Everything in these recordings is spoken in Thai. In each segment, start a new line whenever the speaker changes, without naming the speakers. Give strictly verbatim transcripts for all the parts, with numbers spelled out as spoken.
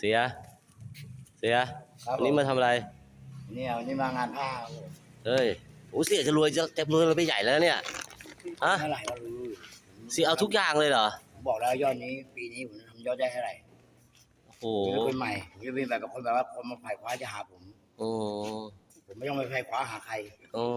สียเสียวันนี้มาทำอะไร
เนี่ยวันนี้มางานผ้า
เฮ้ยโอ้เสียจะรวยจะจะรวยเราไปใหญ่แล้วเนี่ยฮะ
เท่าไหร่ก็รู้
เสียเอาทุกอย่างเลยเหรอ
บอกแล้วยอดนี้ปีนี้ผมทำยอดได้เท่าไหร่
โอ้โห
ผมจะเป็นใหม่ผมจะเป็นแบบกับคนแบบว่าคนมาไขว่คว้าจะหาผม
โอ้
ผมไม่ต้องไปไขว่คว้าหาใคร
โอ้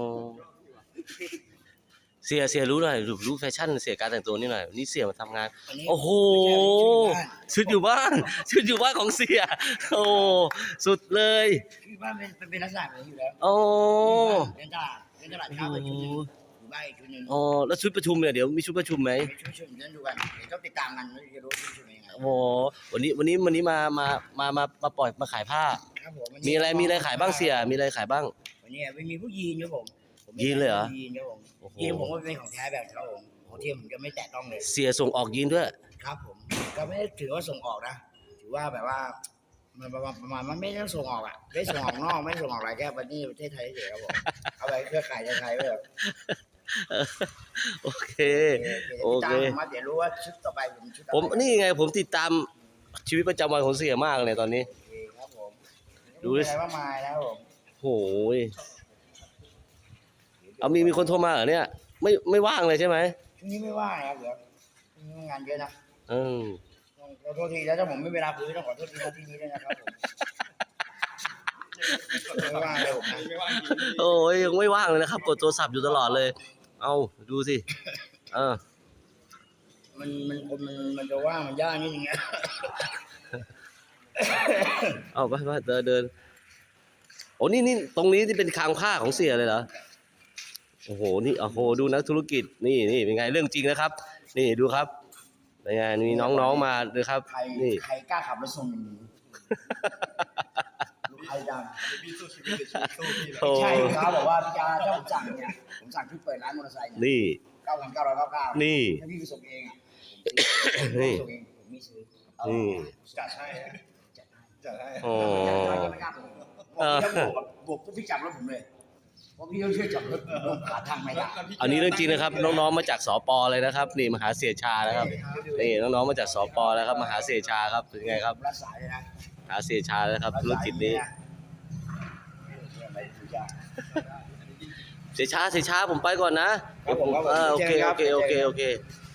เสียเสียรู้หน่อยรู้แฟชั่นเสียการแต่งตัวนี่หน่อยนี่เสียมาทำงานโอ้โหชุดอยู่บ้านชุดอยู่บ้านของเสียโอ้สุดเลย
คือบ้านเป็นเป็นลักษณะแบบนี้อยู่แล้ว
โอ้
เป็นตลาดเป็นตลาดเช้าไปชุดนึงอยู่บ้านอีกชุดนึง
อ๋อแล้วชุดประชุมเนี่ยเดี๋ยวมีชุดประชุมไหม
ชุดประชุมนั่นดูกันเดี๋ยวต้องติดตามกันจะรู้ชุดยังไง
โอ้วันนี้วันนี้วันนี้มามามามามาปล่อยมาขายผ้ามีอะไรมีอะไรขายบ้างเสียมีอะไรขายบ้าง
วันนี้ไม่มีผู้ยีนครับผม
ยีนเลยเหรอ
ยีนครับผมยีนผมก็เป็นของแท้แบบครับผมของเทียมผมจะไม่แตะต้องเลย
เสียส่งออกยีนด้วย
ครับผมก็ไม่ได้ถือว่าส่งออกนะถือว่าแบบว่ามันประมาณประมาณมันไม่ต้องส่งออกอ่ะไม่ส่งออกนอกไม่ส่งออกอะไรแค่ประเทศประเทศไทยเฉยครับผมเอาไปเครือข่ายไทยไว้แบบ
โอเคโอเค
มาเดี๋ยวรู้ว่าชุดต่อไปผมชุด
ผมนี่ไงผมติดตามชีวิตประจำวันของเสียมากเลยตอนนี้
ครับผม
ดูดิ
อะไรว่ามาแล้วผม
โหยเอามีมีคนโทรมาเหรอเนี่ยไม่ไม่ว่างเลยใช่ไหม
ช่วงนี้ไม่ว่างครับเดี๋ยวงานเยอะนะ
อืม
ขอโทษทีแล้วถ้าผมไม่เวลาคุยต้องขอโทษทีที่นี้ด้วยนะครับผมไม่ว่างเลยผมไม่ว่าง
โอ้ยยังไม่ว่างเลยนะครับกดโทรศัพท์อยู่ตลอดเลยเอาดูสิเออ
มันมันคนมันมันจะว่างมันยากนิดนึงนะ
เอาไปไปเดินเดินโอ้นี่นี่ตรงนี้ที่เป็นคลังผ้าของเสียเลยเหรอโอ้โหนี่โอ้โหดูนักธุรกิจนี่นี่เป็นไงเรื่องจริงนะครับนี่ดูครับเป็นไงมีน้องๆมาเลยครับ
นี่ใครกล้าขับรถส่งลูกใครดังใช่ครับบอกว่าพี่จาถ้าผมสั่งเนี่ยผมสั่งที่เปิดร้านมอเตอร์ไซค์
นี่
เก้าพันเก้าร้อยเก้าเก้า
นี่
ถ้าพี่ไปส่งเองอ่ะ
นี่
ส่งเองผมไม่ซื้อ
นี่
จัดให้จัดให้
โอ้
ไม่กล้าผมบวกบวกพี่จับรถผมเลยเพราะพี่ต้องช่วยจับรถหาทางไม่ได้
อันนี้เรื่องจริงนะครับน้องๆมาจากสป.เลยนะครับนี่มหาเสียชานะครับนี่น้องๆมาจากสป.แล้วครับมหาเสียชาครับเป็นไงครับ
รักษาเลยนะ
มหาเสียชาแล้วครับธุรกิจนี้เสียชาเสียชาผมไปก่อนนะโอเคโอเคโอเคโอเค